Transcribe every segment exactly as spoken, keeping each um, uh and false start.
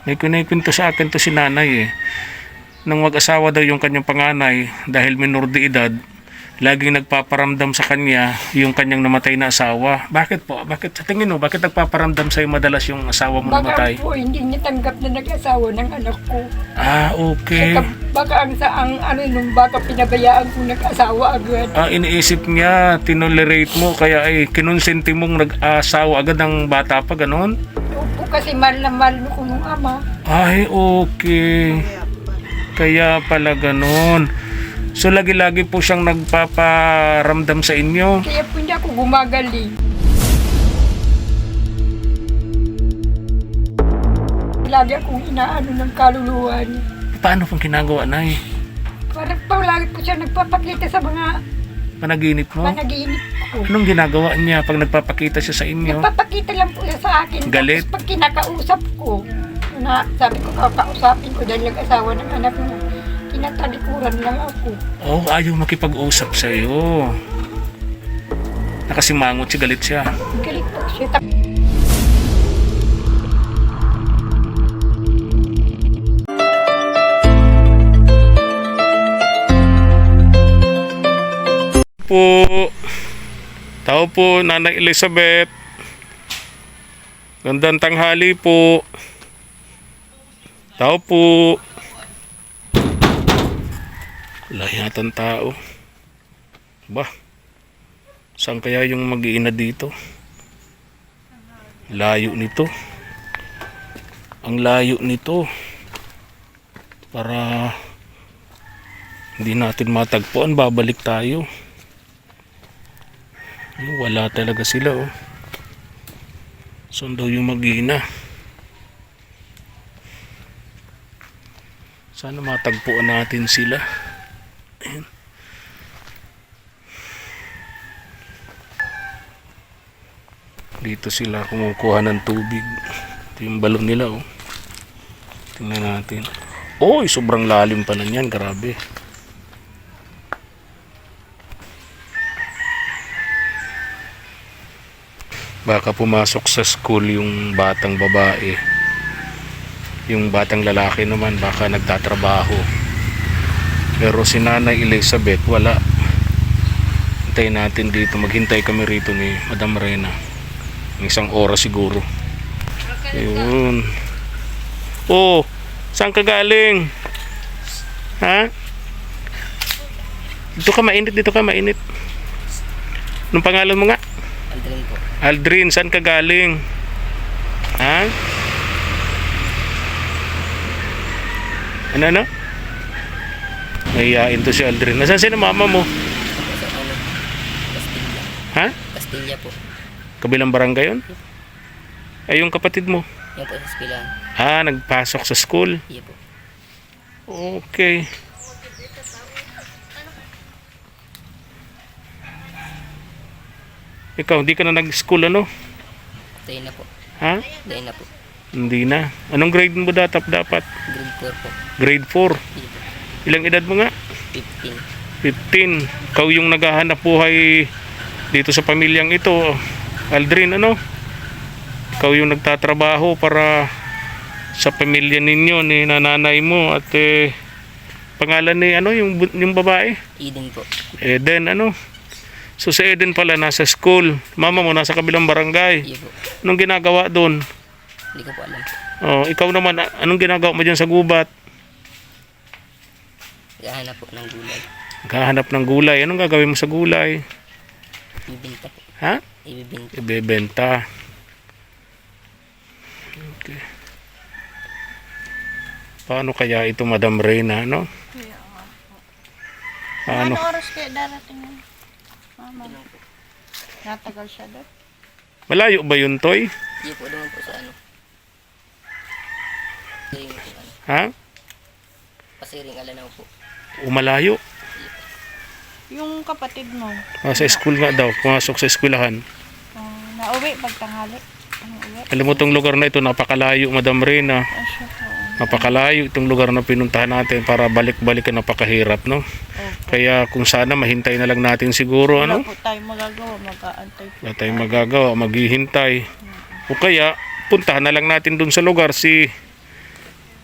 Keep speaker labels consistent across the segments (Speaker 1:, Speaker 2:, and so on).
Speaker 1: May kinikwento sa akin to si nanay eh. Nang mag-asawa daw yung kanyang panganay dahil minor de edad, laging nagpaparamdam sa kanya yung kanyang namatay na asawa. Bakit po? Bakit sa tingin mo? Bakit nagpaparamdam sa'yo madalas yung asawa mo
Speaker 2: Baka
Speaker 1: namatay?
Speaker 2: po hindi niya tanggap na nag-asawa ng anak ko.
Speaker 1: Ah, okay.
Speaker 2: Saka baka ang sa ang ano nung baka pinabayaan ko nag-asawa agad.
Speaker 1: Ah, iniisip niya, tinolerate mo, kaya ay kinonsenti mong nag-asawa agad ng bata pa, ganon?
Speaker 2: Opo, kasi mahal na mahal ko nung ama.
Speaker 1: Ay, okay. Kaya pala ganon. So, lagi-lagi po siyang nagpaparamdam sa inyo.
Speaker 2: Kaya po hindi ako gumagaling. Lagi akong inaano ng kaluluwa niya.
Speaker 1: Paano pong ginagawa, Nay?
Speaker 2: Parang pa lagi po siya nagpapakita sa mga
Speaker 1: Panaginip mo?
Speaker 2: panaginip ko.
Speaker 1: Anong ginagawa niya pag nagpapakita siya sa inyo?
Speaker 2: Nagpapakita lang po siya sa akin.
Speaker 1: Galit?
Speaker 2: Tapos pag kinakausap ko, na sabi ko kakausapin ko dahil nag-asawa ng anak mo, tinatalikuran lang ako.
Speaker 1: Oh, ayaw makipag-usap sa'yo. Nakasimangot si galit siya.
Speaker 2: Galit po siya. Tap-
Speaker 1: Po. Tao po, Nanay Elizabeth. Gandang tanghali po. Tao po. Wala yatang tao. Ba? Saan kaya yung mag-iina dito? Layo nito. Ang layo nito. Para hindi natin matagpuan, babalik tayo. Wala talaga sila oh. Saan daw yung mag-iina? Sana matagpuan natin sila. Ayan. Dito sila kumukuha ng tubig. Ito yung balon nila oh. Tingnan natin. Oy, sobrang lalim pa na yan. Grabe. Baka pumasok sa school yung batang babae. Yung batang lalaki naman baka nagtatrabaho. Pero si Nanay Elizabeth wala. Hintayin natin dito. Maghintay kami rito ni Madam Reyna. Isang oras siguro. Yun. Oh, saan ka galing? Ha? Dito ka mainit, dito ka mainit. Anong pangalan mo nga?
Speaker 3: Aldrin po.
Speaker 1: Aldrin, saan ka galing? Ha? Ano na? Nahiyain to si Aldrin. Nasaan si na mama mo?
Speaker 3: Ako sa ano? Castilla.
Speaker 1: Ha?
Speaker 3: Castilla po.
Speaker 1: Kabilang barangay yun? Ay, yung kapatid mo?
Speaker 3: Yan po sa eskwelahan.
Speaker 1: Ah, nagpasok sa school.
Speaker 3: Iya po.
Speaker 1: Okay. Ikaw, hindi ka na nag-school ano?
Speaker 3: Dahil na po.
Speaker 1: Ha?
Speaker 3: Dahil na po.
Speaker 1: Hindi na. Anong grade mo datap dapat?
Speaker 3: Grade four po.
Speaker 1: Grade four.
Speaker 3: Iya po.
Speaker 1: Ilang edad mo nga?
Speaker 3: fifteen.
Speaker 1: fifteen. Ikaw yung naghahanap buhay dito sa pamilyang ito. Aldrin, ano? Ikaw yung nagtatrabaho para sa pamilya ninyo ni nanay mo at eh, pangalan ni ano yung yung babae?
Speaker 3: Eden po.
Speaker 1: Eden, ano? So si Eden pala nasa school. Mama mo nasa kabilang barangay.
Speaker 3: Iya po.
Speaker 1: Anong ginagawa doon?
Speaker 3: Hindi ko po alam po.
Speaker 1: Oh, ikaw naman, a- anong ginagawa mo diyan sa gubat?
Speaker 3: Gahanap po ng gulay.
Speaker 1: Naghahanap ng gulay. Anong gagawin mo sa gulay?
Speaker 3: Ibibenta po.
Speaker 1: Ha?
Speaker 3: Ibibenta.
Speaker 1: Ibebenta. Okay. Paano kaya ito, Madam Reyna, no? Paano?
Speaker 4: Ano oras kaya darating yun? Mama, natagal siya doon.
Speaker 1: Malayo ba yun, Toy?
Speaker 3: Iya po naman po sa ano. Pasiring po ano.
Speaker 1: Ha?
Speaker 3: Pasiring alanaw po.
Speaker 1: Umalayo?
Speaker 4: Yung kapatid mo,
Speaker 1: Ah, sa school nga daw. Pumasok sa eskwelahan.
Speaker 4: uh, nauwi pagtanghali. Ano uwi?
Speaker 1: Alam mo, itong lugar na ito, napakalayo, Madam Reyna.
Speaker 4: Ah, siya po.
Speaker 1: Napakalayo itong lugar na pinuntahan natin para balik-balik na napakahirap, no?
Speaker 4: Opo.
Speaker 1: Kaya kung sana mahintay na lang natin siguro,
Speaker 4: Wala
Speaker 1: ano?
Speaker 4: po tayong magagawa, mag-aantay po.
Speaker 1: Wala tayong magagawa, maghihintay. O kaya, puntahan na lang natin dun sa lugar si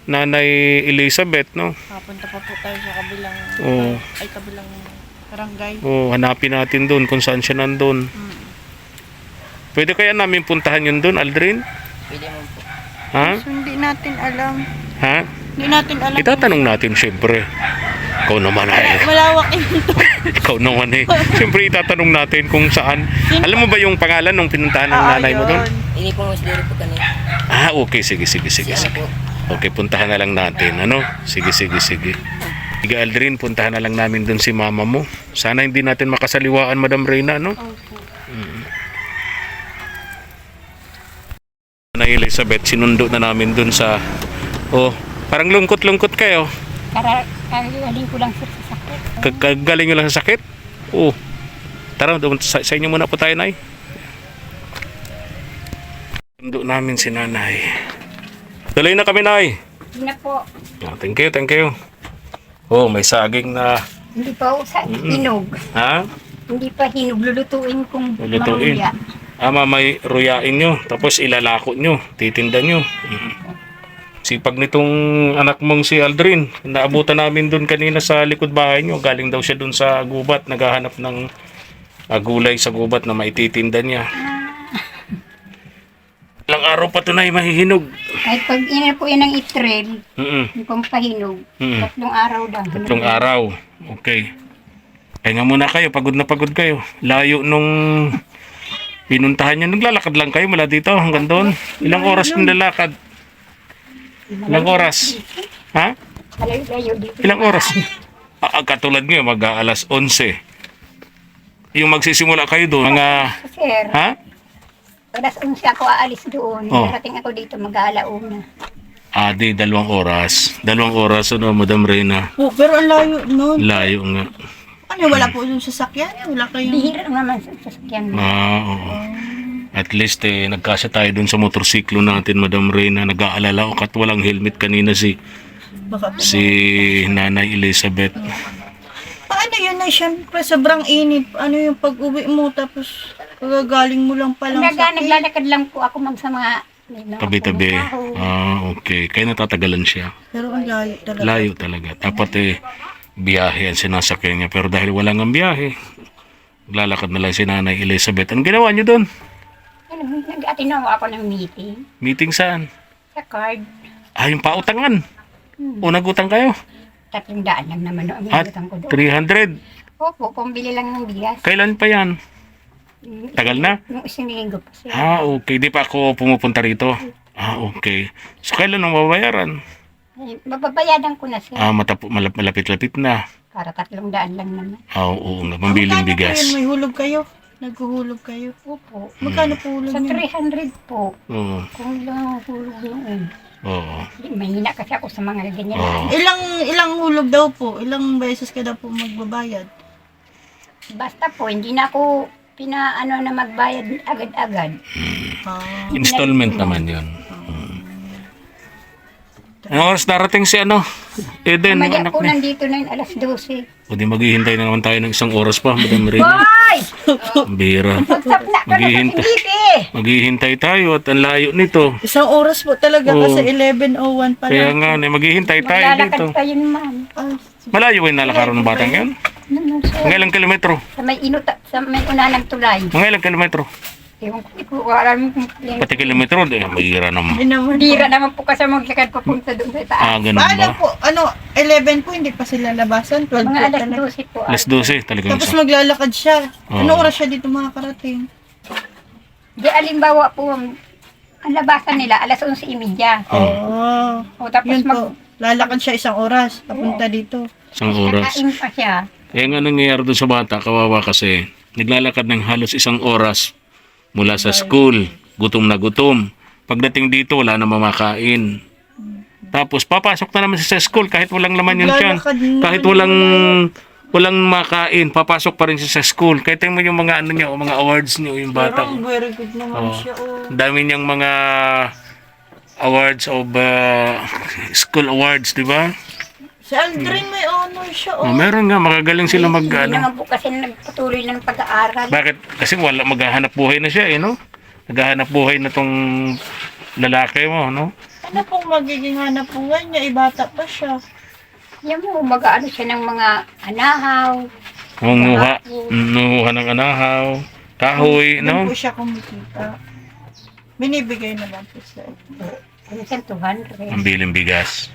Speaker 1: Nanay Elizabeth, no?
Speaker 4: Papunta pa po tayo sa kabilang,
Speaker 1: Oo.
Speaker 4: ay kabilang barangay.
Speaker 1: Oh, hanapin natin doon kung saan siya nandun.
Speaker 4: Mm.
Speaker 1: Pwede kaya namin puntahan yun doon, Aldrin?
Speaker 3: Pwede mo po.
Speaker 1: Ha?
Speaker 4: So, hindi natin alam.
Speaker 1: Ha?
Speaker 4: Hindi natin alam.
Speaker 1: Itatanong natin, syempre. Ikaw naman eh.
Speaker 4: Malawak ito.
Speaker 1: Ikaw naman eh. Syempre itatanong natin kung saan. Alam mo ba yung pangalan nung pinuntahan ng
Speaker 4: Ah,
Speaker 1: nanay mo doon?
Speaker 4: yun.
Speaker 3: Hindi po mas diri po kanina.
Speaker 1: Ah, okay. Sige, sige, sige.
Speaker 3: Si ano
Speaker 1: sige.
Speaker 3: po.
Speaker 1: Okay, puntahan na lang natin. Ano? Sige, sige, sige. Sige, Aldrin, puntahan na lang namin doon si mama mo. Sana hindi natin makasaliwaan, Madam Reyna, no?
Speaker 4: Opo.
Speaker 1: Na Elizabeth, sinundo na namin doon sa... Oh, parang lungkot-lungkot kayo.
Speaker 2: Kara, kagaling ko lang sir sa sakit.
Speaker 1: Kagaling nyo lang sa sakit? Oo. Tara, doon sa, sa inyo muna po tayo, Nay. Sinundo namin si nanay. Tuloy na kami, Nay.
Speaker 2: Hindi na po.
Speaker 1: Yeah, thank you, thank you. Oh, may saging na...
Speaker 2: Hindi pa ako sa hinog.
Speaker 1: Ha?
Speaker 2: Hindi pa hinog. Lulutuin kong
Speaker 1: Lulutuin.
Speaker 2: maruya.
Speaker 1: Ama, may ruyain nyo. Tapos ilalako nyo. Titinda nyo. Mm. Sipag nitong anak mong si Aldrin. Naabutan namin doon kanina sa likod bahay nyo. Galing daw siya doon sa gubat. Naghahanap ng uh, gulay sa gubat na maititinda niya. Ilang araw pa ito na mahihinog.
Speaker 2: Kahit pag ina po yan ng itrel,
Speaker 1: Mm-mm.
Speaker 2: yung pang pahinog,
Speaker 1: Mm.
Speaker 2: tatlong araw lang.
Speaker 1: Tatlong araw. Okay. Kaya nga muna kayo. Pagod na pagod kayo. Layo nung pinuntahan nyo. Naglalakad lang kayo mula dito hanggang doon. Ilang oras yung lalakad? Ilang oras? Ha?
Speaker 2: Malayo-layo dito.
Speaker 1: Ilang oras? Ah, katulad nyo, mag-aalas onse. Yung magsisimula kayo doon, mga...
Speaker 2: Sir,
Speaker 1: Ha?
Speaker 2: alas onse ako aalis doon.
Speaker 1: Oh.
Speaker 2: Darating ako dito mag-aalauna.
Speaker 1: Ah, di, dalawang oras. Dalawang oras, ano, Madam Reyna.
Speaker 4: Po, pero ang layo nun.
Speaker 1: Layo nga.
Speaker 4: Ano, wala po yung sasakyan? Wala kayong...
Speaker 2: Bihira naman sa sasakyan.
Speaker 1: Ah, oo. At least, eh, nagkasya tayo doon sa motorsiklo natin, Madam Reyna. Nag-aalala ako at walang helmet kanina si
Speaker 4: Baka po.
Speaker 1: si Nanay Elizabeth.
Speaker 4: Paano yun na siyempre sobrang init? Ano yung pag-uwi mo tapos kagagaling mo lang palang
Speaker 2: Naga,
Speaker 4: sakit?
Speaker 2: naglalakad lang po ako ma'am sa mga may mga
Speaker 1: Tabi-tabi.
Speaker 2: punong kahoy.
Speaker 1: Ah, okay. Kaya natatagalan siya.
Speaker 4: Pero ang layo talaga.
Speaker 1: Layo talaga. Dapat eh, biyahe ang sinasakyan niya. Pero dahil wala nga biyahe, naglalakad na lang si Nanay Elizabeth. Anong ginawa niyo doon?
Speaker 2: Ano, nag-atinaw ako ng meeting
Speaker 1: Meeting saan?
Speaker 2: sa card.
Speaker 1: Ah, yung pautangan. O nagutang kayo?
Speaker 2: Tatlong daan lang naman no, ang
Speaker 1: At
Speaker 2: inutang ko doon.
Speaker 1: three hundred.
Speaker 2: Opo, pambili lang ng bigas.
Speaker 1: Kailan pa yan?
Speaker 2: Mm,
Speaker 1: Tagal na?
Speaker 2: Nung isang linggo pa siya.
Speaker 1: Ah, okay. Di pa ako pumupunta rito. Ah, okay. So, kailan ang mababayaran?
Speaker 2: Ay, mababayadan ko na siya.
Speaker 1: Ah, matapo, malap, malapit-lapit na.
Speaker 2: Para tatlong daan lang naman.
Speaker 1: Ah, oo nga. Pambiling
Speaker 4: Magkano po
Speaker 1: bigas.
Speaker 4: yun? May hulog kayo? Naghuhulog kayo?
Speaker 2: Opo.
Speaker 4: Magkano po hulog
Speaker 2: Sa
Speaker 4: niyo?
Speaker 2: three hundred po.
Speaker 1: Oo.
Speaker 2: Kung lang ang hulog noon.
Speaker 1: Oo.
Speaker 2: Mahina kasi ako sa mga ganyan.
Speaker 1: Oo.
Speaker 4: Ilang ilang hulog daw po? Ilang beses ka daw po magbabayad?
Speaker 2: Basta po, hindi na ako pinaano na magbayad agad-agad.
Speaker 4: Ah.
Speaker 1: Installment naman yun. Ano oras darating si ano? Eden, yung
Speaker 2: Maya
Speaker 1: anak
Speaker 2: po
Speaker 1: niya.
Speaker 2: nandito na yun, alas dose.
Speaker 1: O di maghihintay na naman tayo ng isang oras pa, Madam Reyna.
Speaker 2: Hoy!
Speaker 1: Ang bira.
Speaker 2: Magsapna ka na
Speaker 1: Maghihintay.
Speaker 2: kasi hindi
Speaker 1: Maghihintay tayo at ang layo nito.
Speaker 4: Isang oras po talaga
Speaker 1: Oo.
Speaker 4: kasi eleven oh one pa
Speaker 1: Kaya
Speaker 4: lang.
Speaker 1: nga, eh, maghihintay tayo
Speaker 2: Maglalakad
Speaker 1: dito.
Speaker 2: pa yun, ma'am.
Speaker 4: Ay,
Speaker 1: Malayo yung nalakaran ng batang yan?
Speaker 2: Ano, sir?
Speaker 1: Mga ilang kilometro?
Speaker 2: Sa may inuta, sa may unanang tulay.
Speaker 1: Mga ilang kilometro?
Speaker 2: Ewan ko, hindi ko alam kung
Speaker 1: Pati kilometro, eh, mahira naman.
Speaker 4: hindi naman.
Speaker 2: Dira naman po kasi maglakad papunta doon sa taas.
Speaker 1: Ah, ganun
Speaker 4: Paano
Speaker 1: ba?
Speaker 4: po? Ano, eleven po, hindi pa sila labasan? twelve
Speaker 2: Mga
Speaker 4: po
Speaker 2: alas
Speaker 4: talaga.
Speaker 2: dose po.
Speaker 1: Alas dose, talagang
Speaker 4: Tapos
Speaker 1: isa.
Speaker 4: maglalakad siya. Ano
Speaker 1: Oo.
Speaker 4: oras siya dito makakarating?
Speaker 2: Di alimbawa po, ang ang labasan nila, alas onse imidya.
Speaker 4: Oo.
Speaker 2: O tapos
Speaker 4: Yun
Speaker 2: mag...
Speaker 4: po. Lalakad siya isang oras. Papunta dito.
Speaker 1: Isang oras.
Speaker 2: Kakain pa siya.
Speaker 1: Kaya nga nangyayari doon sa bata, kawawa kasi, naglalakad ng halos isang oras mula sa school, gutom na gutom. Pagdating dito, wala na mamakain. Tapos papasok na naman siya sa school kahit walang laman yun dyan.
Speaker 4: Maglalakad na
Speaker 1: Kahit walang walang makain, papasok pa rin siya sa school. Kahit mo yung mga ano niya, o mga awards niyo, yung bata.
Speaker 4: Pero very good naman
Speaker 1: Oo.
Speaker 4: siya. Oh.
Speaker 1: Ang dami niyang mga awards of uh, school awards, di ba?
Speaker 4: Si Aldrin may honor siya.
Speaker 1: Oh,
Speaker 4: Oh.
Speaker 1: meron nga, magagaling sila mag
Speaker 2: Hindi
Speaker 1: ano.
Speaker 2: naman po kasi nagpatuloy ng pag-aaral.
Speaker 1: Bakit? Kasi wala, maghahanap buhay na siya eh, no? Naghahanap buhay na tong lalaki mo, no?
Speaker 4: Ano pong magiging hanap buhay niya? Ibata pa siya.
Speaker 2: Yan mo, mag-ano siya ng mga anahaw.
Speaker 1: Nangunguha, nangunguha ng anahaw, kahoy,
Speaker 4: Doon
Speaker 1: no?
Speaker 4: po siya kumikita. Binibigay naman po sa
Speaker 2: Minsan two hundred.
Speaker 1: Ang biling bigas.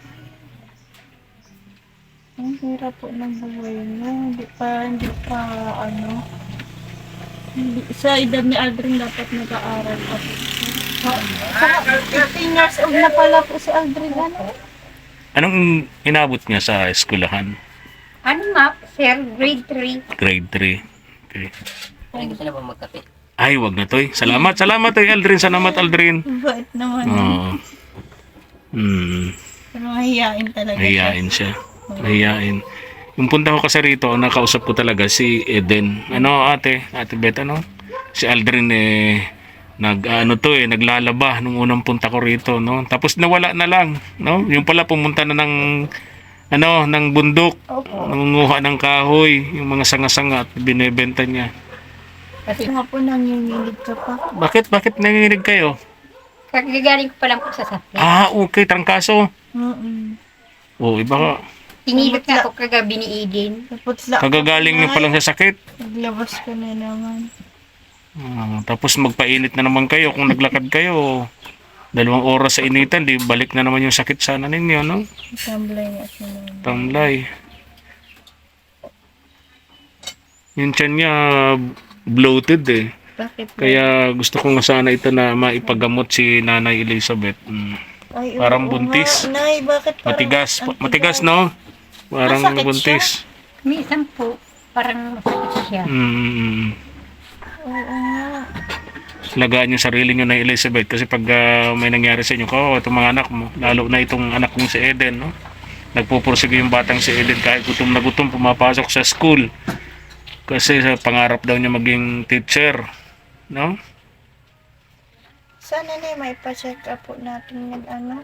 Speaker 4: Ang hirap po ng buhay niya. Hindi pa, hindi pa, ano. Hindi, sa edad ni Aldrin dapat nag-aaral pa po siya. Saka, eighteen years old na pala po si Aldrin. Ano?
Speaker 1: Anong inabot niya sa eskwelahan?
Speaker 2: Ano nga, sir? Grade three.
Speaker 1: Grade three. Okay.
Speaker 3: Parang gusto na po magkape.
Speaker 1: Ay, wag na toy. Salamat, salamat toy Aldrin. Salamat Aldrin.
Speaker 4: Bait naman.
Speaker 1: Oo. Hmm.
Speaker 4: Pero mahihain talaga
Speaker 1: Mahihain siya. Mahihain. Yung punta ko kasi rito, ang nakausap ko talaga si Eden. Ano ate? Ate Beth, ano? Si Aldrin eh, nag ano to eh, naglalaba nung unang punta ko rito, no? Tapos nawala na lang, no? Yung pala pumunta na ng ano, ng bundok.
Speaker 2: Opo.
Speaker 1: Nangunguha ng kahoy, yung mga sanga-sanga at binebenta niya.
Speaker 2: Kasi
Speaker 4: Nga po nanginginig ka pa.
Speaker 1: Bakit? Bakit nanginginig kayo?
Speaker 2: kagagaling ko pa lang po sa sakit.
Speaker 1: Ah, okay, trangkaso.
Speaker 4: Mm-mm.
Speaker 1: Oh, iba ka.
Speaker 2: Tinilot nga ako kagabi ni Eden.
Speaker 4: Tapos la-
Speaker 1: Kagagaling niyo pa lang sa sakit.
Speaker 4: Naglabas ka na naman.
Speaker 1: Ah, tapos magpainit na naman kayo kung naglakad kayo. Dalawang oras sa initan, di balik na naman yung sakit sana ninyo, no?
Speaker 4: Tamblay nga siya naman.
Speaker 1: Tamlay. Yung tiyan niya bloated eh.
Speaker 4: Bakit?
Speaker 1: Kaya gusto ko nga sana ito na maipagamot si Nanay Elizabeth. Mm.
Speaker 4: Ay,
Speaker 1: Parang
Speaker 4: oo
Speaker 1: buntis.
Speaker 4: nga. Nay, bakit parang...
Speaker 1: Matigas,
Speaker 4: ang
Speaker 1: matigas
Speaker 4: tigas?
Speaker 1: no? Parang
Speaker 4: Masakit
Speaker 1: buntis.
Speaker 2: Minsan po, parang masakit siya.
Speaker 1: Mm.
Speaker 4: Oo nga.
Speaker 1: Lagaan yung sarili nyo na Elizabeth kasi pag ah, may nangyari sa inyo, oh, itong mga anak mo, lalo na itong anak kong si Eden, no? Nagpupursige yung batang si Eden kahit gutom na gutom, pumapasok sa school. Kasi sa pangarap daw niya maging teacher, no?
Speaker 4: Sana na may pa-check up po natin yung ano.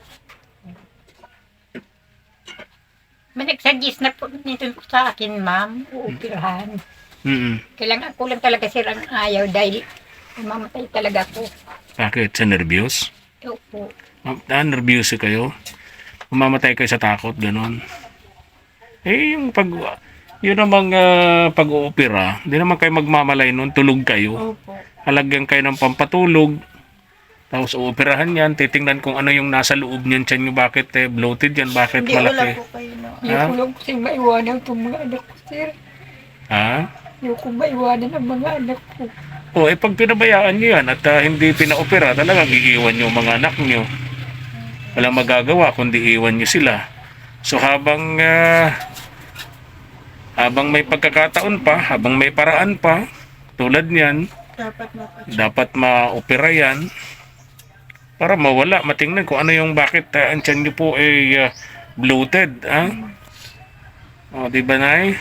Speaker 2: May nagsuggest na po nito sa akin, ma'am, uupirahan.
Speaker 1: Mm.
Speaker 2: Kailangan ko lang talaga silang ayaw dahil mamatay talaga ako.
Speaker 1: Bakit? Sa nervyos?
Speaker 2: Opo.
Speaker 1: Ah, nervyos kayo? Mamamatay kayo sa takot, ganon. Eh, yung pag... Yun namang ah, pag-oopera, hindi naman kayo magmamalay nun, tulog kayo.
Speaker 4: Opo.
Speaker 1: Halagyan kayo ng pampatulog. Tapos uoperahan yan, titingnan kung ano yung nasa loob niyan, tiyan nyo, bakit eh, bloated yan, bakit
Speaker 4: Hindi, wala
Speaker 1: malaki.
Speaker 4: po kayo na.
Speaker 1: Ha?
Speaker 2: Yung kulong kasi maiwanan itong mga anak ko, sir.
Speaker 1: Ha?
Speaker 2: Yung kung maiwanan ang mga anak ko.
Speaker 1: O, eh pag pinabayaan nyo yan at ah, hindi pinaopera, talagang iiwan nyo ang mga anak nyo. Walang magagawa kundi iwan nyo sila. So habang ah, habang may pagkakataon pa, habang may paraan pa, tulad niyan,
Speaker 4: Dapat mapacheck.
Speaker 1: dapat ma-opera yan para mawala, matingnan kung ano yung bakit uh, ang tiyan nyo po ay ah, bloated. Ha? O, di ba, Nay?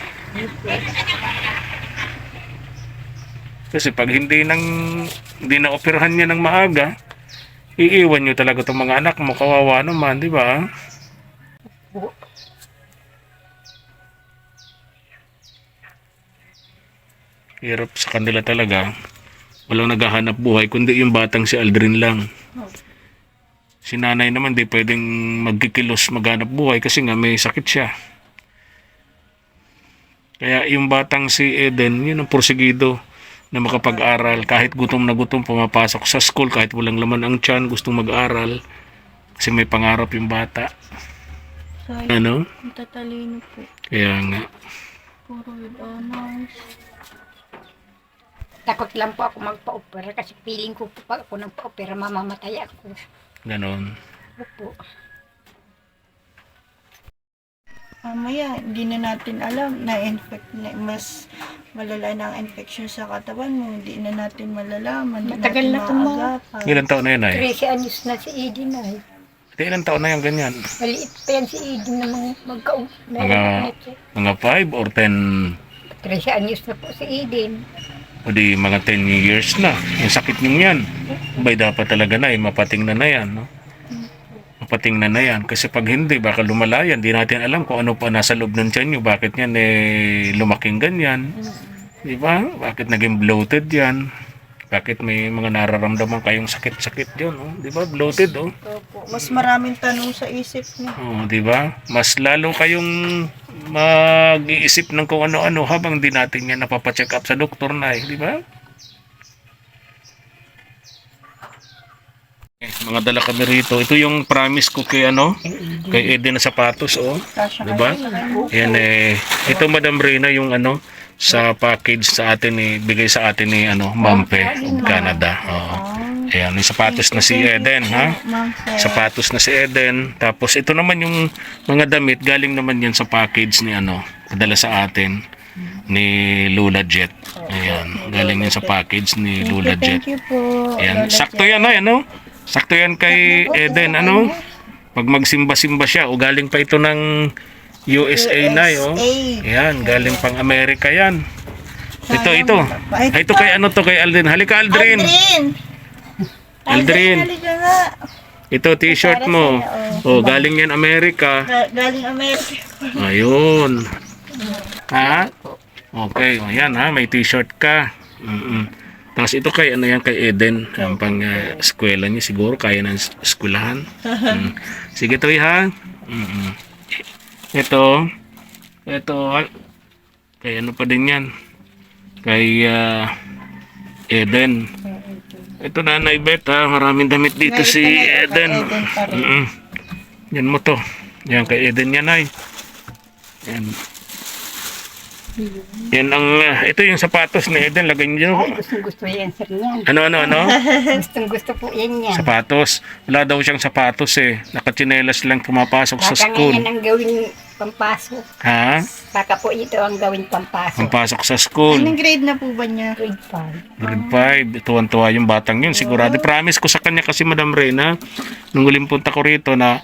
Speaker 1: Kasi pag hindi nang hindi na operahan niya ng maaga, iiwan nyo talaga itong mga anak mo, kawawa naman, di ba? Hirap sa kanila talaga. Walang naghahanap buhay, kundi yung batang si Aldrin lang. Si nanay naman di pwedeng magkikilos maghanap buhay kasi nga may sakit siya. Kaya yung batang si Eden, yun ang porsigido na makapag-aral. Kahit gutom na gutom, pumapasok sa school, kahit walang laman ang tiyan, gustong mag-aral. Kasi may pangarap yung bata.
Speaker 4: Sayang.
Speaker 1: Ano?
Speaker 4: Ang tatalino po.
Speaker 1: Kaya nga.
Speaker 4: Puro with honors.
Speaker 2: Takot lang po ako magpa-opera kasi feeling ko po pag ako nang pa-opera, mamamatay ako.
Speaker 1: Ganon.
Speaker 2: Opo.
Speaker 4: Mamaya, hindi na natin alam na infect na mas malala na ang infection sa katawan mo. Hindi na natin malalaman. Hindi
Speaker 2: Matagal
Speaker 4: natin
Speaker 2: na to, Ma.
Speaker 4: maagapan.
Speaker 1: Ilan taon na yun ay?
Speaker 2: trese anyos na si Eden ay.
Speaker 1: Di ilan taon na yung ganyan?
Speaker 2: Maliit pa yan si Eden na mga magka
Speaker 1: Mga- Mga five or ten
Speaker 2: trese anyos na po si Eden.
Speaker 1: o di mga ten years na. Yung sakit nyo yan. Bay dapat talaga na eh, mapating na na yan. No? Mapating na na yan. Kasi pag hindi, baka lumala yan. Di natin alam kung ano pa nasa loob ng tiyan nyo. Bakit yan eh lumaking ganyan. Di ba? Bakit naging bloated yan. Bakit may mga nararamdaman kayong sakit-sakit yun, oh? Di ba? Bloated, oh.
Speaker 4: Opo. Mas maraming tanong sa isip niya.
Speaker 1: Oh, di ba? Mas lalo kayong mag-iisip ng kung ano-ano habang di natin yan napapacheck up sa doktor na, eh, di ba? Eh, mga dala kami rito. Ito yung promise ko kay ano, kay Eden na sapatos, oh.
Speaker 4: Kasha
Speaker 1: Di ba? Yan eh. Ito Madam Reyna yung ano sa package sa atin eh, bigay sa atin ni ano, Mampe, Canada. Oo. Ayan, yung sapatos na si Eden, ha?
Speaker 4: Ma'am, sir.
Speaker 1: Sapatos na si Eden. Tapos ito naman yung mga damit, galing naman yan sa package ni ano, padala sa atin ni Lula Jet. Ayan, galing yan sa package ni Lula Jet.
Speaker 4: Thank you po.
Speaker 1: Ayan,
Speaker 4: Lola
Speaker 1: sakto
Speaker 4: Jet.
Speaker 1: yan ay ano? Sakto yan kay Eden, ano? Pag magsimba-simba siya, o galing pa ito ng U S A na, oh. Ayan, galing pang Amerika yan. Ito, ito. Ay, ito kay ano to, kay Aldrin. Halika, Aldrin.
Speaker 4: Aldrin!
Speaker 1: Aldrin.
Speaker 4: Halika nga.
Speaker 1: Ito, t-shirt mo. Oh, galing yan Amerika.
Speaker 4: Ga- Galing Amerika.
Speaker 1: Ayun. Ha? Okay, ayan ha, may t-shirt ka. Mm-mm. Tapos ito kay ano yan kay Eden, ang pang uh, eskwela niya siguro kaya ng es- eskwelahan. Mm. Sige to ha. Mm-mm. Ito, ito kay ano pa din yan. Kay uh, Eden. Ito Nanay Beth ha, maraming damit dito si Eden. Mm-mm. Yan mo to. Yan kay Eden yan ay. Yan. Yan ang, uh, ito yung sapatos ni Eden, lagay niyo.
Speaker 2: Ay, gustong gusto yan, sir, yan.
Speaker 1: Ano, ano, ano?
Speaker 2: Gustong gusto po yan yan.
Speaker 1: Sapatos. Wala daw siyang sapatos eh. Nakatsinelas lang pumapasok sa
Speaker 2: Baka
Speaker 1: school.
Speaker 2: ngayon ang gawin pampasok.
Speaker 1: Ha?
Speaker 2: Baka po ito ang gawin pampasok.
Speaker 1: Pumpasok sa school.
Speaker 4: Anong grade na po ba niya?
Speaker 2: Grade five.
Speaker 1: Grade five. Tuwan-tuwa yung batang yun. Sigurado. Promise ko sa kanya kasi Madam Reyna, nung huling punta ko rito na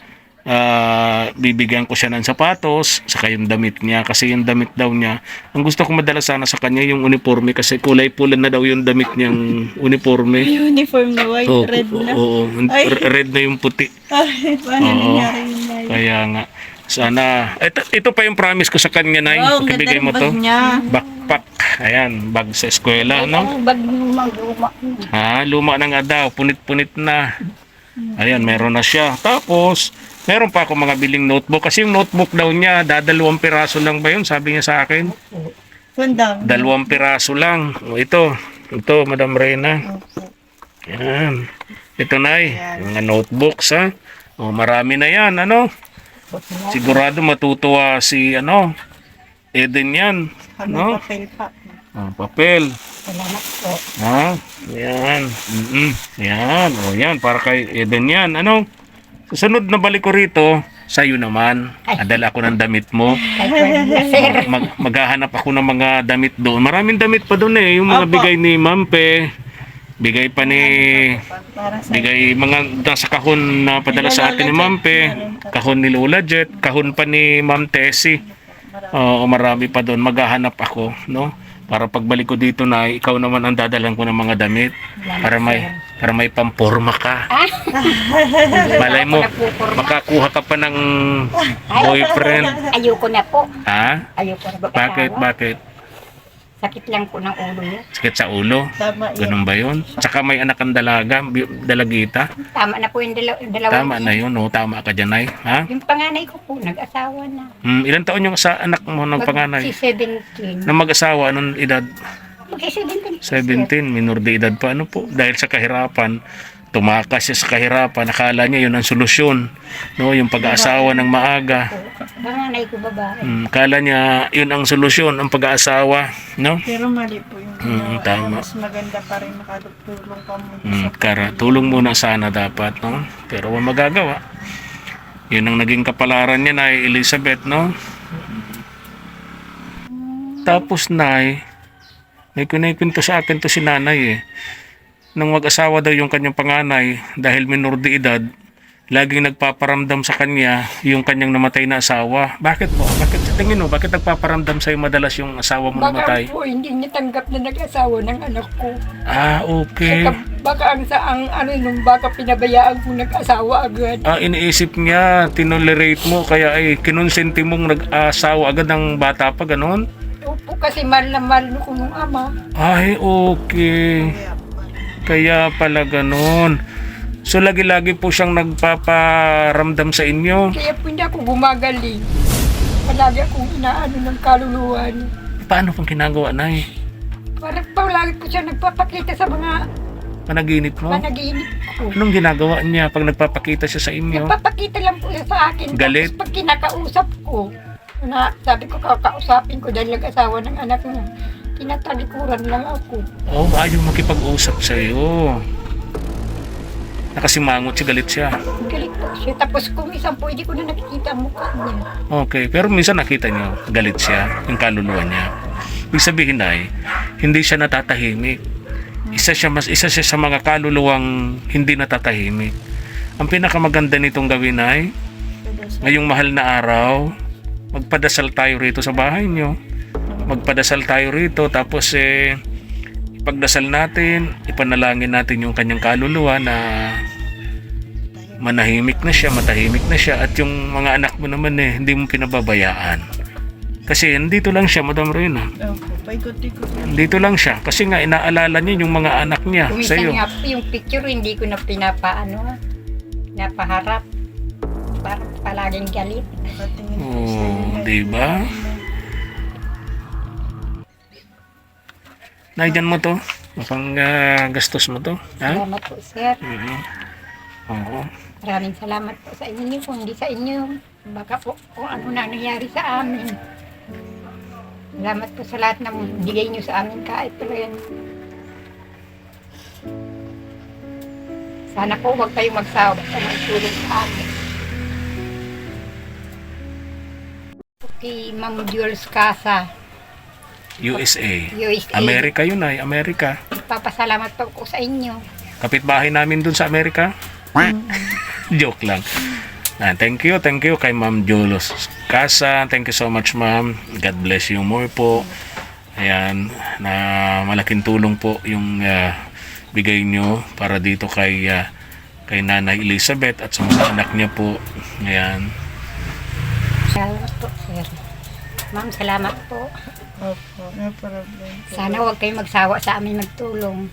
Speaker 1: ah, bibigyan ko siya ng sapatos, saka yung damit niya. Kasi yung damit daw niya, ang gusto ko madala sana sa kanya yung uniforme kasi kulay pula na daw yung damit niyang uniforme.
Speaker 4: Uniform na white,
Speaker 1: Oo,
Speaker 4: red na.
Speaker 1: oo,
Speaker 4: Ay.
Speaker 1: r- red na yung puti.
Speaker 4: Ay, paano
Speaker 1: Oo.
Speaker 4: nangyari yun na yun?
Speaker 1: Kaya nga, sana, ito, ito pa yung promise ko sa kanya na
Speaker 4: Wow, ang
Speaker 1: pakibigay
Speaker 4: ganda
Speaker 1: mo
Speaker 4: ng
Speaker 1: to.
Speaker 4: bag niya.
Speaker 1: Backpack. Ayan, bag sa eskwela, no?
Speaker 2: Ang bag lumang luma.
Speaker 1: Ha, luma na nga daw, punit-punit na. Ayan, meron na siya. Tapos, meron pa ako mga biling notebook. Kasi yung notebook daw niya, dadalawang piraso lang ba yun? Sabi niya sa akin.
Speaker 4: Ganda.
Speaker 1: Dalawang piraso lang. O, ito. Ito, Madam Reyna. Ayan. Ito na eh. Mga notebooks, ha? O, marami na yan, ano? Sigurado matutuwa si, ano, Eden yan.
Speaker 4: Ano
Speaker 1: No?
Speaker 4: papel pa.
Speaker 1: Ah, papel.
Speaker 2: Salamat po.
Speaker 1: Ha? Yan. Mm-mm. Yan. O yan. Para kay Eden yan. Ano? Susunod na balik ko rito, sa'yo naman. Adala ako ng damit mo.
Speaker 2: Kay Fred na, sir.
Speaker 1: Mag maghahanap ako ng mga damit doon. Maraming damit pa doon eh. Yung mga
Speaker 4: Opo.
Speaker 1: bigay ni Mampe. Bigay pa ni...
Speaker 4: Para sa
Speaker 1: Bigay mga nasa kahon na padala sa atin ni Mampe. Kahon ni Lola Jet. Kahon pa ni Ma'am Tessie. Oo, marami pa doon. Maghahanap ako, no? Para pagbalik ko dito na ikaw naman ang dadalan ko ng mga damit para may para may pamporma ka.
Speaker 2: Ah?
Speaker 1: Malay mo,
Speaker 2: Napupurma.
Speaker 1: makakuha ka pa ng
Speaker 2: Ay,
Speaker 1: boyfriend.
Speaker 2: Ayoko na po.
Speaker 1: Ha?
Speaker 2: Ayoko na mag-asawa.
Speaker 1: Bakit? Bakit?
Speaker 2: Sakit lang po ng ulo niya.
Speaker 1: Sakit sa ulo?
Speaker 4: tama yun.
Speaker 1: Ganun ba yun? Tsaka may anak ang dalaga, bi- dalagita.
Speaker 2: Tama na po yung dalaw dalawa.
Speaker 1: Tama na yun, no? Tama ka dyan, ay. Ha?
Speaker 2: Yung panganay ko po, nag-asawa na.
Speaker 1: Hmm, ilan taon yung sa anak mo ng panganay?
Speaker 2: Si seventeen.
Speaker 1: Na mag-asawa, anong edad?
Speaker 2: Mag-seventeen.
Speaker 1: seventeen, minor de edad pa. Ano po? Dahil sa kahirapan, tumakas siya sa kahirapan. Akala niya yun ang solusyon. No? Yung pag-aasawa ng maaga.
Speaker 2: Panganay ko babae.
Speaker 1: Hmm, akala niya yun ang solusyon, ang pag-aasawa. No?
Speaker 4: Pero mali po yung
Speaker 1: Mm,
Speaker 4: ginawa.
Speaker 1: tama.
Speaker 4: Mas maganda pa rin makatulong ka muna
Speaker 1: Hmm,
Speaker 4: sa
Speaker 1: kara, tulong muna sana dapat. No? Pero wala magagawa. Yun ang naging kapalaran niya na Elizabeth. No? Tapos nay, may kunikwento sa akin to si nanay eh. Nang mag-asawa daw yung kanyang panganay dahil minor de edad, laging nagpaparamdam sa kanya yung kanyang namatay na asawa. Bakit mo? Bakit sa tingin mo? Bakit nagpaparamdam sa'yo madalas yung asawa mo
Speaker 2: Baka
Speaker 1: namatay?
Speaker 2: po hindi niya tanggap na nag-asawa ng anak ko.
Speaker 1: Ah, okay.
Speaker 2: Saka baka ang sa ang ano nung baka pinabayaan ko nag-asawa agad.
Speaker 1: Ah, iniisip niya, tinolerate mo, kaya ay kinonsenti mong nag-asawa agad ng bata pa, ganon?
Speaker 2: Opo, kasi mahal na mahal ko nung ama.
Speaker 1: Ay, okay. Kaya pala ganun. So lagi-lagi po siyang nagpaparamdam sa inyo.
Speaker 2: Kaya po hindi ako gumagaling. Palagi akong inaano ng kaluluwa niya.
Speaker 1: Paano pong ginagawa, Nay?
Speaker 2: Parang palagi ko siya nagpapakita sa mga
Speaker 1: Panaginip mo?
Speaker 2: panaginip ko.
Speaker 1: Anong ginagawa niya pag nagpapakita siya sa inyo?
Speaker 2: Nagpapakita lang po siya sa akin.
Speaker 1: Galit?
Speaker 2: Tapos pag kinakausap ko, na sabi ko kakausapin ko dahil nag-asawa ng anak niya, tinatalikuran lang ako.
Speaker 1: Oh, ayaw makipag-usap sa iyo. Nakasimangot siya, galit siya.
Speaker 2: Galit po siya. Tapos kung isang po, hindi ko na nakikita ang mukha niya.
Speaker 1: Okay, pero minsan nakita niyo, galit siya, yung kaluluwa niya. Ibig sabihin ay, hindi siya natatahimik. Isa siya mas isa siya sa mga kaluluwang hindi natatahimik. Ang pinakamaganda nitong gawin ay ngayong mahal na araw, magpadasal tayo rito sa bahay niyo. Magpadasal tayo rito tapos eh ipagdasal natin, ipanalangin natin yung kanyang kaluluwa na manahimik na siya, matahimik na siya at yung mga anak mo naman eh hindi mo pinababayaan. Kasi nandito lang siya, Madam Reyna.
Speaker 4: Opo, paikot-ikot lang.
Speaker 1: Nandito lang siya kasi nga inaalala niya yung mga anak niya sa
Speaker 2: Kumisan
Speaker 1: iyo.
Speaker 2: nga po yung picture, hindi ko na pinapaano, pinapaharap. Parang palaging galit.
Speaker 4: Patingin po
Speaker 1: Oh,
Speaker 4: sa'yo.
Speaker 1: di ba? Naiyan mo to? Mukhang ah, gastos mo to. Ha?
Speaker 2: Salamat po, sir.
Speaker 1: Mhm. Oo.
Speaker 2: Maraming salamat po sa inyo. Kung hindi sa inyo, baka po kung ano na nangyari sa amin. Salamat po sa lahat ng bigay nyo sa amin kahit pa yan. Sana po huwag kayong magsawa sa magtulong sa amin. Kay Ma'am Jules Casa,
Speaker 1: U S A.
Speaker 2: U S A.
Speaker 1: Amerika yun ay, Amerika.
Speaker 2: Papasalamat po ko sa inyo.
Speaker 1: Kapitbahay namin dun sa Amerika. Joke lang. Ah, thank you, thank you kay Ma'am Julos Casa. Thank you so much, Ma'am. God bless you more po. Ayan, na malaking tulong po yung ah, bigay nyo para dito kay ah, kay Nanay Elizabeth at sa mga anak niya po. Ayan.
Speaker 2: Salamat po, sir. Ma'am, salamat po.
Speaker 4: Opo, no problem.
Speaker 2: Sana huwag kayong magsawa sa amin magtulong.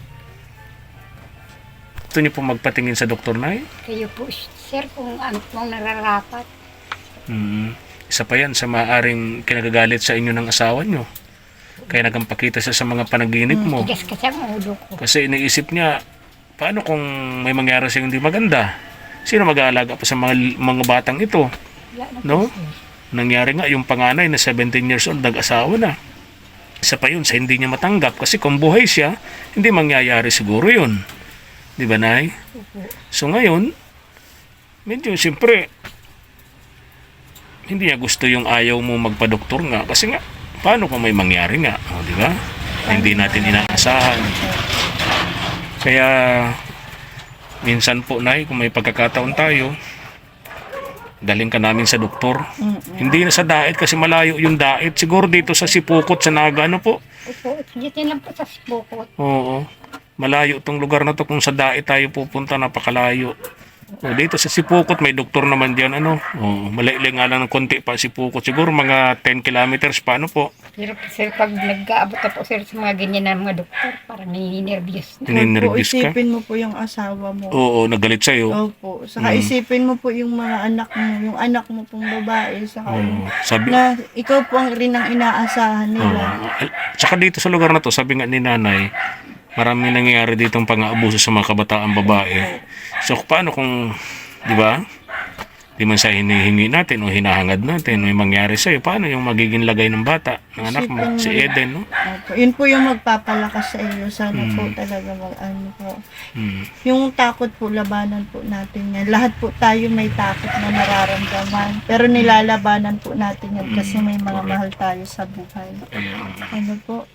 Speaker 1: Gusto niyo po magpatingin sa doktor, Nay?
Speaker 2: Kayo po, sir, kung ano pong nararapat.
Speaker 1: Mm. Isa pa yan sa maaaring kinagagalit sa inyo ng asawa nyo. Kaya nagampakita siya sa mga panaginip mo.
Speaker 2: Tigas kasi ang ulo ko.
Speaker 1: Kasi iniisip niya, paano kung may mangyari sa hindi maganda? Sino mag-aalaga pa sa mga, mga batang ito?
Speaker 2: Wala na po,
Speaker 1: No?
Speaker 2: sir.
Speaker 1: Nangyari nga, yung panganay na seventeen years old, nag-asawa na. Isa pa yun sa hindi niya matanggap. Kasi kung buhay siya, hindi mangyayari siguro yun. Di ba, Nay?
Speaker 2: Opo.
Speaker 1: So ngayon, medyo siyempre, hindi niya gusto yung ayaw mo magpa-doktor nga. Kasi nga, paano kung may mangyari nga? O, di ba? Hindi natin inaasahan. Kaya, minsan po, Nay, kung may pagkakataon tayo, daling ka namin sa doktor.
Speaker 4: Mm-mm.
Speaker 1: Hindi na sa Daet kasi malayo yung Daet. Siguro dito sa Sipukot, sa Naga, ano po?
Speaker 2: Opo, dito lang po sa Sibukot.
Speaker 1: Oo. Malayo itong lugar na to. Kung sa Daet tayo pupunta, napakalayo. O, dito sa Sipukot, may doktor naman diyan, ano? Oo. Malaili nga lang ng konti pa Sipukot. Siguro mga ten kilometers pa, ano po?
Speaker 2: Pero po, sir, pag nag-aabot na po, sir, sa mga ganyan na mga doktor, parang nininervyos na.
Speaker 4: Huwag po,
Speaker 1: Ninervyos ka?
Speaker 4: isipin mo po yung asawa mo.
Speaker 1: Oo, nagalit sa'yo.
Speaker 4: Opo. Saka
Speaker 1: Mm.
Speaker 4: isipin mo po yung mga anak mo, yung anak mo pong babae. Saka yung,
Speaker 1: Oo. Sabi,
Speaker 4: na ikaw po ang rin ang inaasahan nila.
Speaker 1: Oo. Tsaka dito sa lugar na to, sabi nga ni Nanay, marami nangyayari dito ang pang-aabuso sa mga kabataang babae. So, paano kung, di ba? Di man sa hinihingi natin o hinahangad natin, may mangyari sa'yo, paano yung magiging lagay ng bata, ng anak mo, si Eden, no?
Speaker 4: Opo. Yun po yung magpapalakas sa iyo. Sana po
Speaker 1: Mm.
Speaker 4: talaga mag ano po.
Speaker 1: Hmm.
Speaker 4: Yung takot po, labanan po natin yan. Lahat po tayo may takot na nararamdaman. Pero nilalabanan po natin yan kasi may mga mahal tayo sa buhay.
Speaker 1: Ayan.
Speaker 4: Ano po?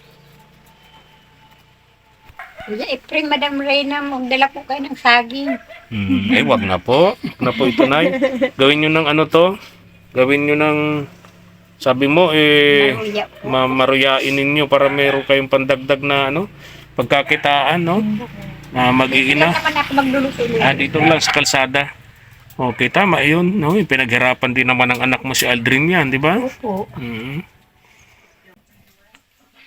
Speaker 2: Kuya Efrem, Madam Reyna, magdala po kayo ng saging.
Speaker 1: Hmm. Ay, wag na po. Wag na po ito, Nay. Gawin nyo ng ano to. Gawin nyo ng, sabi mo, eh,
Speaker 2: Maruya po.
Speaker 1: mamaruyain ninyo para meron kayong pandagdag na, ano, pagkakitaan, no? Na
Speaker 2: Hindi
Speaker 1: mag-iina.
Speaker 2: naman ako magluluto
Speaker 1: Ah, dito lang sa kalsada. Okay, tama yun, no? Yung pinaghirapan din naman ng anak mo si Aldrin yan, di ba?
Speaker 2: Opo.
Speaker 1: Mm.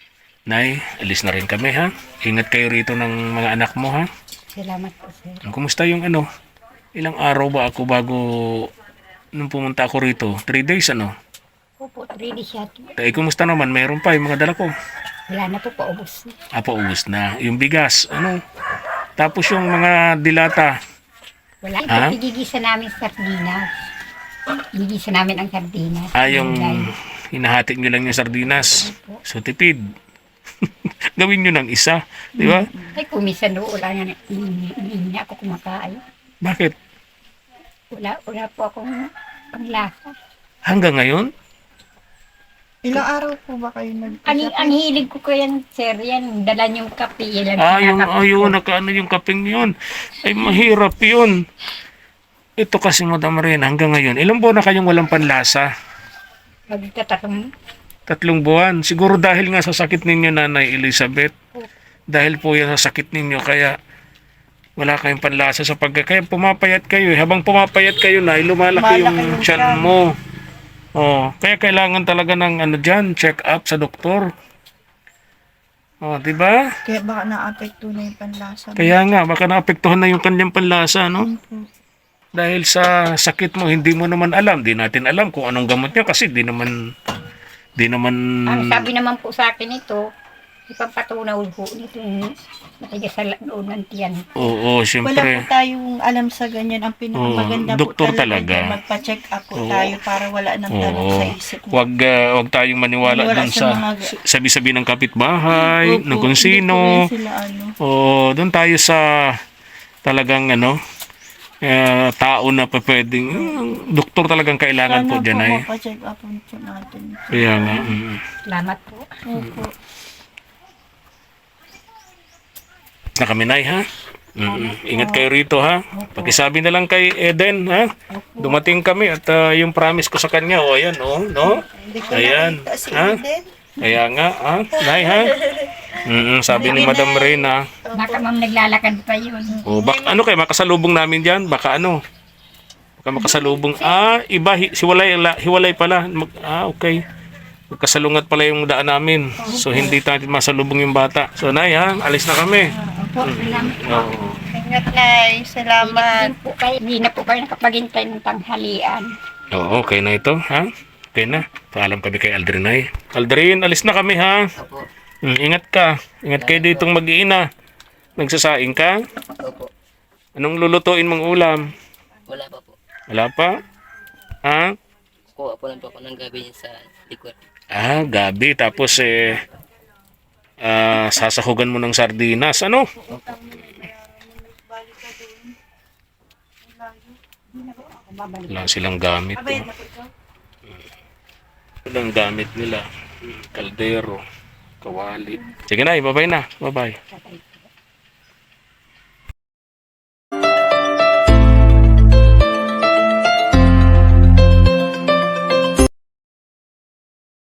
Speaker 1: Nay, alis na rin kami ha. Ingat kayo rito ng mga anak mo ha.
Speaker 2: Salamat po, sir.
Speaker 1: Kumusta yung ano? Ilang araw ba ako bago nung pumunta ako rito? Three days ano?
Speaker 2: Opo, ready siya.
Speaker 1: Eh, kumusta naman? Meron pa yung mga dala ko.
Speaker 2: Wala na po, paubos na.
Speaker 1: Ah, paubos na. Yung bigas, ano? Tapos yung mga dilata.
Speaker 2: Wala.
Speaker 1: Ha?
Speaker 2: Ito, igigisa namin sardinas. Igigisa namin ang sardinas.
Speaker 1: Ah, yung
Speaker 2: Gulay.
Speaker 1: hinahatik nyo lang yung sardinas. So, tipid. Gawin nyo ng isa. Di ba?
Speaker 2: Ay, kumisan do, wala nga, hindi, hindi na ako kumakain.
Speaker 1: Bakit?
Speaker 2: Wala, wala po akong panglasa.
Speaker 1: Hanggang ngayon?
Speaker 4: Ilang araw po ba kayo nag
Speaker 2: Ang, ang hilig ko ko yan, sir, yan, dala niyong kape. Yan,
Speaker 1: Ah, yung,
Speaker 2: kinakape ko.
Speaker 1: ayun, nakaano yung kaping yun. Ay, mahirap yun. Ito kasi, Madam Ren, hanggang ngayon. Ilang buwan na kayong walang panlasa?
Speaker 2: Magtatatong,
Speaker 1: Tatlong buwan. Siguro dahil nga sa sakit ninyo, Nanay Elizabeth. Dahil po yan sa sakit ninyo, kaya wala kayong panlasa sa pagka. Kaya pumapayat kayo. eh. Habang pumapayat kayo na, lumalaki
Speaker 4: Lumalaki
Speaker 1: yung
Speaker 4: yung
Speaker 1: tiyan
Speaker 4: tiyan.
Speaker 1: mo. Oh, kaya kailangan talaga ng ano diyan, check up sa doktor. Oh, 'di ba?
Speaker 4: Kaya baka naapekto na yung panlasa.
Speaker 1: Kaya nga baka naapektuhan na yung kanyang panlasa, no?
Speaker 4: Opo.
Speaker 1: Dahil sa sakit mo, hindi mo naman alam, di natin alam kung anong gamot niya kasi di naman di naman
Speaker 2: ang sabi naman po sa akin ito, ipapatunaw po nito yung matigas sa loob ng tiyan.
Speaker 1: Oo,
Speaker 4: Wala po
Speaker 1: siyempre.
Speaker 4: tayong alam sa ganyan. Ang pinakamaganda
Speaker 1: Oo, doktor
Speaker 4: po talaga,
Speaker 1: talaga.
Speaker 4: dyan, magpa-check up po
Speaker 1: Oo.
Speaker 4: tayo para wala nang tanong
Speaker 1: Oo.
Speaker 4: sa isip mo.
Speaker 1: Wag ah, wag tayong maniwala
Speaker 4: Maniwala
Speaker 1: dun
Speaker 4: sa
Speaker 1: sa
Speaker 4: mga-
Speaker 1: sabi-sabi ng kapitbahay,
Speaker 4: Opo,
Speaker 1: ng kung
Speaker 4: hindi
Speaker 1: sino.
Speaker 4: po yan sila, ano.
Speaker 1: Oo, doon tayo sa talagang ano, eh, tao na pa pwedeng, eh, doktor talagang kailangan
Speaker 4: Sana
Speaker 1: po dyan ay.
Speaker 4: mapacheck up po natin.
Speaker 1: Kaya nga, mm.
Speaker 2: Salamat po.
Speaker 4: Opo.
Speaker 1: na kami Nay, ha? Mm, ingat kayo rito ha. Pakisabi na lang kay Eden ha. Dumating kami at ah, yung promise ko sa kanya, oh ayan oh, no?
Speaker 4: Hindi ko
Speaker 1: Ayan,
Speaker 4: nakita si
Speaker 1: ha?
Speaker 4: Eden.
Speaker 1: Kaya nga, ha? Nay ha. Mm, sabi ni Madam Reyna,
Speaker 2: Baka ma'am naglalakad pa yun.
Speaker 1: oh, bak ano kay makasalubong namin diyan? Baka ano? Baka makasalubong. Ah, iba hi, hiwalay la- hiwalay pala. Mag, ah, okay. Magkasalungat pala yung daan namin. So hindi natin masalubong yung bata. So Nay ha, alis na kami.
Speaker 2: Opo, salamat po.
Speaker 1: Oo.
Speaker 4: Ingat Nay.
Speaker 2: Ingat
Speaker 4: Salamat.
Speaker 2: din po kayo. Hindi na po kayo nakapaghintay ng tanghalian.
Speaker 1: Oo, okay na ito, ha? Okay na. Paalam kami kay Aldrin ay. Aldrin, alis na kami, ha?
Speaker 3: Opo.
Speaker 1: Mm, ingat ka. Ingat kayo ditong mag-iina. Nagsasaing ka?
Speaker 3: Opo.
Speaker 1: Anong lulutuin mong ulam?
Speaker 3: Wala pa po.
Speaker 1: Wala pa? Ha?
Speaker 3: Kuha po lang po ako ng gabi niya sa likod.
Speaker 1: Ah, gabi. Tapos, eh, ah, sasahugan mo ng sardinas. Ano? Wala silang gamit. Oh. Walang gamit nila. Kaldero, kawali. Sige na, bye-bye na. Bye-bye.